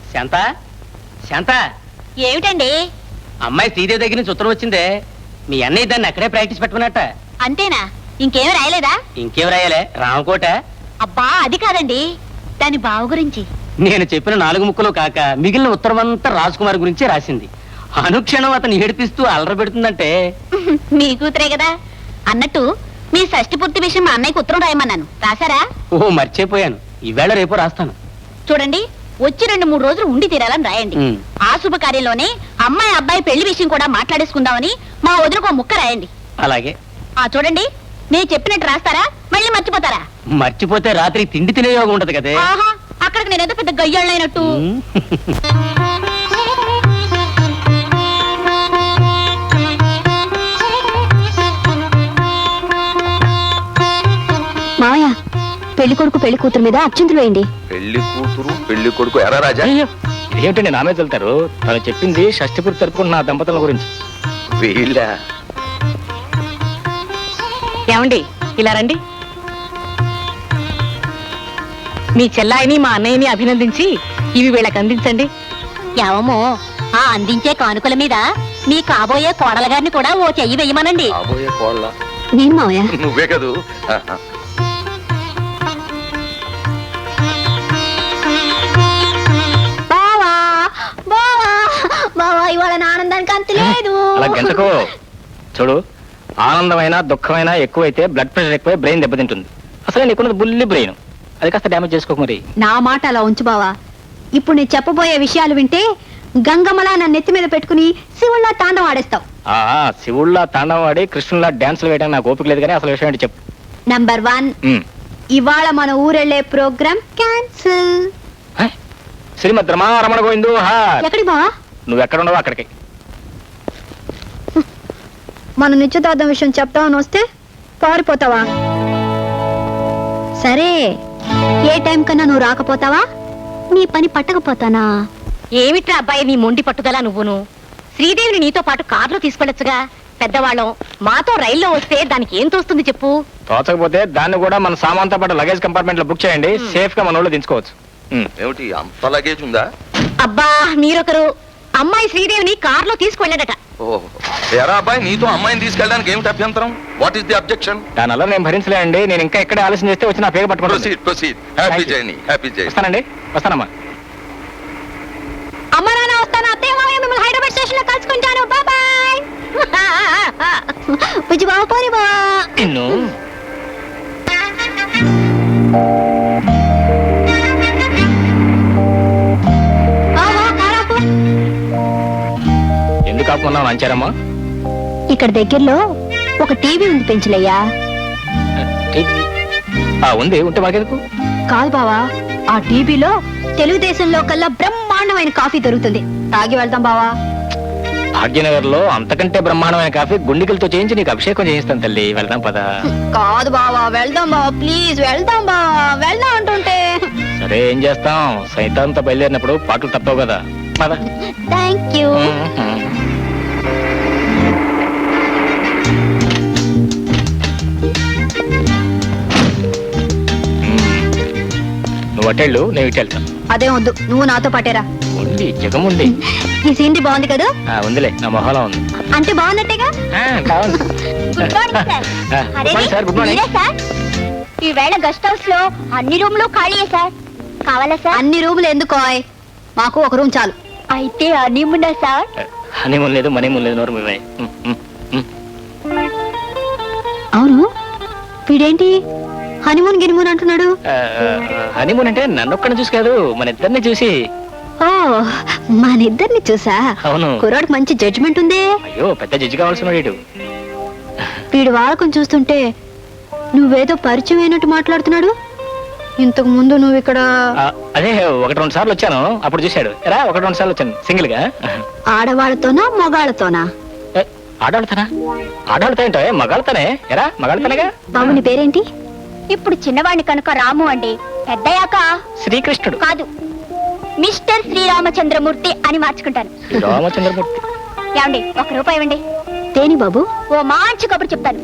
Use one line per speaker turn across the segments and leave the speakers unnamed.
శాంత శాంత
ఏమిటండి?
అమ్మాయి శ్రీదేవి దగ్గర నుంచి ఉత్తరం వచ్చిందే. మీ అన్నయ్య దాన్ని అక్కడే ప్రాక్టీస్ పెట్టుకున్నట్ట.
అంతేనా? ఇంకేం రాయలేదా?
ఇంకేం రాయాలే, రామకోట.
అబ్బా అది కాదండి, దాని బావ గురించి.
నేను చెప్పిన 4 ముక్కలు కాక మిగిలిన ఉత్తరం అంతా రాజ్కుమార్ గురించే రాసింది. అనుక్షణం అతను ఏడిపిస్తూ అల్లరి పెడుతుందంటే.
మీ కూతురే కదా. అన్నట్టు మీ షష్టి పూర్తి విషయం మా అన్నయ్యకి ఉత్తరం రాయమన్నాను, రాశారా?
ఓ మర్చిపోయాను, ఈవేళ రేపు రాస్తాను.
చూడండి, వచ్చి 2-3 రోజులు ఉండి తీరాలని రాయండి. ఆ శుభకార్యంలోనే అమ్మాయి అబ్బాయి పెళ్లి విషయం కూడా మాట్లాడేసుకుందామని మా వదినకు ముక్క రాయండి.
అలాగే.
చూడండి, నేను చెప్పినట్టు రాస్తారా, మళ్ళీ మర్చిపోతారా?
మర్చిపోతే రాత్రి తిండి తినే యోగం ఉంటది కదే.
అక్కడికి నేనేదో పెద్ద గయ్యాళ్ళైనట్టు. మావయ్య, పెళ్లి కొడుకు పెళ్లి కూతురు మీద అక్షింతలు వేయండి.
పెళ్లి కూతురు పెళ్లి కొడుకు ఎరా రాజా?
ఏమిటండి నా మీద వెళ్తారు? తను చెప్పింది షష్టిపూర్తి తరపున దంపతుల గురించి.
వీళ్ళ
ఏమండి, ఇలా రండి. మీ చెల్లాయిని మా అన్నయ్యని అభినందించి ఇవి వీళ్ళకి అందించండి.
ఏమో, ఆ అందించే కానుకల మీద మీ కాబోయే కోడల గారిని కూడా ఓ చెయ్యి వెయ్యమనండి.
కాబోయే కోళ్ళ
నేను మావయ్య.
నువ్వే కదూ.
బావా బావా బావా, ఇవాళ నా ఆనందానికి అంత లేదు.
అలా గంటకో. చూడు, ఆనందమైనా దుఃఖమైనా ఎక్కువైతే బ్లడ్ ప్రెషర్ ఎక్కువై బ్రెయిన్ దెబ్బతింటుంది. అసలే నీకున్నది బుల్లి బ్రెయిన్, అది కాస్త డ్యామేజ్ చేసుకోక మరి.
నా మాట అలా ఉంచు బావా. ఇప్పుడు నేను చెప్పబోయే విషయాలు వింటే గంగమ్మలా నా నెత్తి మీద పెట్టుకుని శివుళ్ళ తాండవం ఆడేస్తావు.
శివుళ్ళ తాండవం ఆడి కృష్ణుల్లా డాన్సులు వేయడానికి నాకు ఓపిక లేదు, కానీ అసలు విషయం ఏంటి చెప్పు.
నంబర్ 1, ఇవాళ మన ఊరెళ్ళే ప్రోగ్రామ్ క్యాన్సిల్.
శ్రీమద్ రమణ గోవిందు.
ఎక్కడి బావా?
నువ్వు ఎక్కడ ఉండవు అక్కడికి.
మన నిశ్చితార్థం విషయం చెప్తామని వస్తే పారిపోతావా? సరే, ఏ టైం కన్నా నువ్వు రాకపోతావా? నీ పని పట్టకపోతానా?
ఏమిట్రా అబ్బాయి నీ మొండి పట్టుదల నువ్వును? శ్రీదేవిని నీతో పాటు కారులో తీసుకెళ్లొచ్చుగా. పెద్దవాళ్ళం, మాతో రైల్లో వస్తే దానికి ఏం తోస్తుంది చెప్పు.
తోచకపోతే దాన్ని కూడా మన సామాన్తో పాటు లగేజ్ కంపార్ట్మెంట్ లో బుక్ చేయండి, సేఫ్ గా మన ఊళ్ళో దించుకోవచ్చు.
ఏమిటి అంత లగేజ్ ఉందా?
అబ్బా మీరొకరు. అమ్మాయి శ్రీదేవిని కారులో తీసుకువెళ్ళాడట.
ఎరా అబ్బాయి, నీతో అమ్మాయిని తీసుకెళ్ళడానికి ఏమిటి అభ్యంతరం? What is the objection?
దానివల్ల నేను భరించలేండి. నేను ఇంకా ఎక్కడే ఆలస్యం చేస్తే వచ్చి నా పేరు పట్టుకుంటాను.
Proceed. Happy journey. Happy journey.
వస్తానండి, వస్తానమ్మా.
అమ్మ నాన్న వస్తాను, అత్తయ్య మామయ్య మిమ్మల్ని హైదరాబాద్ స్టేషన్ లో కలుసుకుంటాను. బాయ్. బుజ్జి బావ, పోని బావ.
నిన్ను ఎందుకు ఆపుకున్నావు అంచారమ్మా?
ఇక్కడ దగ్గరలో ఒక టీవీ ఉంది పెంచలయ్యా.
ఉంది, ఉంటే మాకెందుకు?
కాదు బావా, ఆ టీవీలో తెలుగుదేశంలో కల్లా బ్రహ్మాండమైన కాఫీ దొరుకుతుంది. తాగి వెళ్దాం బావా.
భాగ్యనగర్ లో అంతకంటే బ్రహ్మాండమైన కాఫీ గుండికలతో చేయించి నీకు అభిషేకం చేయిస్తాను తల్లి. వెళ్దాం పద.
కాదు బావా, వెళ్దాం బావా, ప్లీజ్ వెళ్దాం బావా, వెళ్దాం అంటుంటే.
సరే, ఏం చేస్తాం, సైతాంతో బయలుదేరినప్పుడు పాటలు తప్పవు కదా. పద.
Thank you.
నువ్వు అటెళ్ళు, నేను ఇటు వెళ్తాను.
అదే వద్దు, నువ్వు నాతో పాటేరా.
ఉంది, జగముంది.
ఈ సీనరీ బాగుంది కదా?
ఉందిలే, నా మొహంలో ఉంది.
అంటే బాగున్నట్టేగా? Good morning sir. Good morning sir. ఈ వేళ గెస్ట్ హౌస్ లో అన్ని రూమ్లు ఖాళీయే సార్. కావాలా సార్? అన్ని రూములు ఎందుకో, మాకు ఒక రూమ్ చాలు. అయితే హనీమూన్ సార్?
హనీమూన్ లేదు, మనీమూన్ లేదు. నోరు మీవే.
అవును, వీడేంటి హనీమూన్ గినిమూన్ అంటున్నాడు?
హనీమూన్ అంటే నన్నొక్కడిని చూసి కాదు, మన ఇద్దరిని చూసి.
ఓ, మనిద్దరిని చూసా?
అవును.
కుర్రాడికి మంచి జడ్జిమెంట్ ఉంది.
అయ్యో, పెద్ద జడ్జి కావాల్సిన వాడు.
వీడు వాడకం చూస్తుంటే నువ్వేదో పరిచయం అయినట్టు మాట్లాడుతున్నాడు. ఇంతకు ముందు నువ్వు ఇక్కడ?
అదే 1-2 సార్లు వచ్చాను, అప్పుడు చూశాడు. రా, 1-2 సార్లు వచ్చాను సింగిల్ గా.
ఆడవాళ్ళతోనా మగాళ్ళతోనా?
ఆడవాళ్ళతోనా? ఆడవాళ్ళతో ఏంటో, మగాళ్ళతోనే. ఎరా, మగాళ్ళతోనేగా.
బాబు నీ పేరేంటి? ఇప్పుడు చిన్నవాడిని కనుక రాము అండి, పెద్దయాక
శ్రీకృష్ణుడు.
కాదు, మిస్టర్ శ్రీరామచంద్రమూర్తి అని మార్చుకుంటాను.
రామచంద్రమూర్తి.
ఏమండి, 1 రూపాయి ఇవ్వండి. తేని బాబు, ఓ మంచి కబురు చెప్తాను.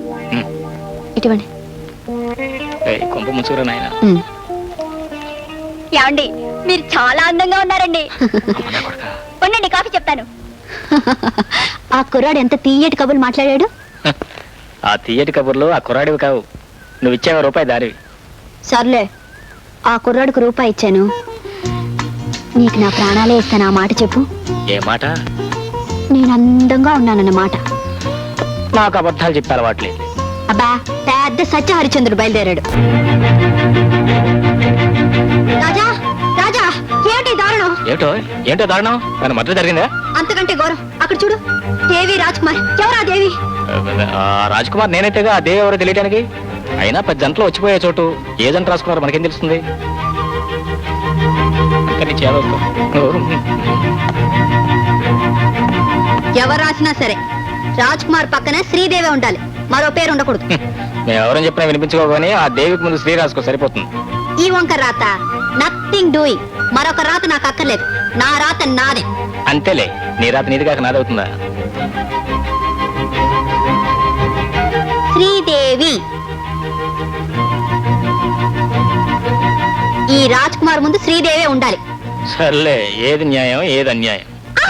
ఇటువంటి
కొంప ముసుగురా నాయన.
ఏమండి, మీరు చాలా అందంగా ఉన్నారండి. ఉండండి, కాఫీ చెప్తాను. ఆ కుర్రాడు ఎంత తీయటి కబుర్లు మాట్లాడాడు.
ఆ తీయటి కబుర్లు ఆ కుర్రాడివి కావు, నువ్వు ఇచ్చావు రూపాయి దారివి.
సర్లే, ఆ కుర్రాడికి రూపాయి ఇచ్చాను, నీకు నా ప్రాణాలే ఇస్తాను. ఆ మాట చెప్పు.
ఏ మాట?
నేను అందంగా ఉన్నానన్నమాట.
నాకు అబద్ధాలు చెప్పే అలవాట్లేదు.
అబ్బా, పెద్ద సత్య హరిచంద్రుడు బయలుదేరాడు. రాజా, రాజా, ఏమిటి దారుణం?
ఏమిటో ఏంటో దారుణం? నన్ను మద్దతు జరిగిందా?
అంతకంటే గౌరవం. అక్కడ చూడు, దేవి రాజ్ కుమార్. ఎవరా దేవి?
రాజ్ కుమార్ నేనైతేగా, ఆ దేవి ఎవరో తెలియటానికి. అయినా 10 జంటలు వచ్చిపోయే చోటు ఏ జంట రాసుకున్నారో మనకేం తెలుస్తుంది?
ఎవరు రాసినా సరే రాజ్ కుమార్ పక్కన శ్రీదేవి ఉండాలి, మరో పేరు ఉండకూడదు.
మేము ఎవరని చెప్పినా వినిపించుకోగానే ఆ దేవికి ముందు శ్రీ రాసుకో, సరిపోతుంది.
ఈ వంక రాత నథింగ్ డూయింగ్. మరొక రాత నాకు అక్కర్లేదు, నా రాత నాదే.
అంతేలే, నీ రాత నీది కాక నాదవుతుందా?
శ్రీదేవి. ఈ రాజ్ కుమార్ ముందు శ్రీదేవి ఉండాలి.
సర్లే, ఏది న్యాయం ఏది అన్యాయం.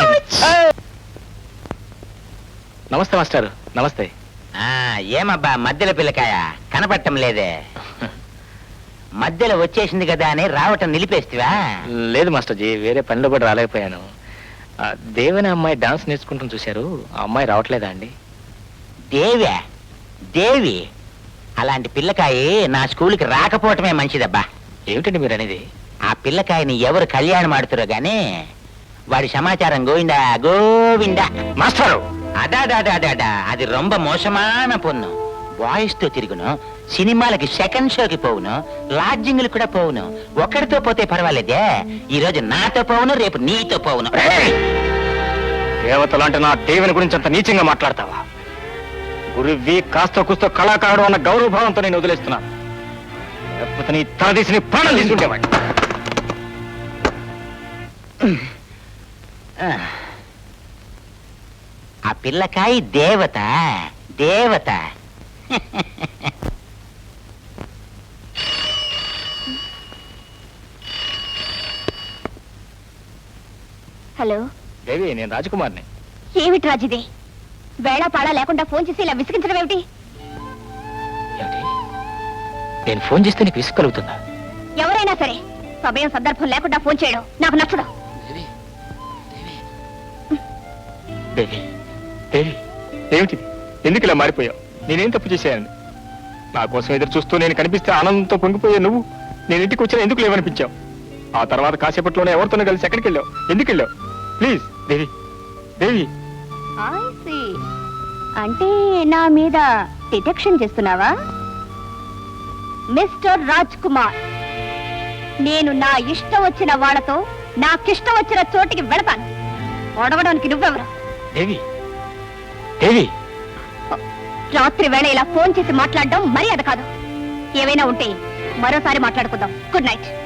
నమస్తే మాస్టర్. నమస్తే.
ఏమబ్బా మధ్యలో పిల్లకాయ కనపడటం లేదే? మధ్యలో వచ్చేసింది కదా అని రావటం నిలిపేస్తివా?
లేదు మాస్టర్జీ, వేరే పనిలో కూడా రాలేకపోయాను. దేవని అమ్మాయి డాన్స్ నేర్చుకుంటాం చూశారు, ఆ అమ్మాయి రావట్లేదా అండి?
దేవే? దేవి అలాంటి పిల్లకాయ నా స్కూల్కి రాకపోవటమే మంచిదబ్బా.
ఏమిటండి మీరు అనేది?
ఆ పిల్లకాయని ఎవరు కళ్యాణం ఆడుతురో గాని వాడి సమాచారం గోవిందా గోవిందా.
మాస్టారు,
అడాడాడాడా, అది రొంబ మోసమాన పొన్ను. బాయ్స్ తో తిరుగును, సినిమాలకి సెకండ్ షోకి పోవును, లాడ్జింగ్లు కూడా పోవును. ఒక్కడితో పోతే పర్వాలేదే, ఈ రోజు నాతో పోవును, రేపు నీతో పోవును.
దేవతలు అంటే నా దేవిని గురించి అంత నీచంగా మాట్లాడతావా? గురువి కాస్త కూస్తో కళాకారుడు అన్న గౌరవభావంతో నేను వదిలేస్తున్నాను. లేకపోతే నీ తలదీసి నీ ప్రాణం తీసుకుంటేవాడి.
ఆ పిల్లకాయ దేవత దేవత.
హలో
దేవి, నేను రాజకుమార్ని.
ఏమిటి రాజిది? వేళ పాడా లేకుండా ఫోన్ చేసి ఇలా విసిగించడం ఏమిటి?
ఏమిటి? నేను ఫోన్ చేస్తే నీకు విసుగు కలుగుతుందా?
ఎవరైనా సరే సమయం సందర్భం లేకుండా ఫోన్ చేయడం నాకు నచ్చడం.
దేవి, దేవి, ఏమిటి? ఎందుకు ఇలా మారిపోయావు? నేనేం తప్పు చేశాను? నా కోసం ఎదురు చూస్తూ నేను కనిపిస్తే ఆనందంతో పొంగిపోయా నువ్వు నేను ఇంటికి వచ్చినా ఎందుకు లేవనిపించావు? ఆ తర్వాత కాసేపట్లోనే ఎవరితోనో కలిసి ఎక్కడికి వెళ్ళావు? ఎందుకు వెళ్ళావు? ప్లీజ్ దేవి, దేవి.
అంటే నా మీద డిటెక్షన్ చేస్తున్నావా మిస్టర్ రాజ్ కుమార్? నేను నా ఇష్టం వచ్చిన వాళ్ళతో నాకిష్టం వచ్చిన చోటికి వెళతాను. ఒడవడానికి నువ్వెవరు?
దేవి, దేవి,
రాత్రి వేళ ఇలా ఫోన్ చేసి మాట్లాడడం మర్యాద కాదు. ఏమైనా ఉంటే మరోసారి మాట్లాడుకుందాం. Good night.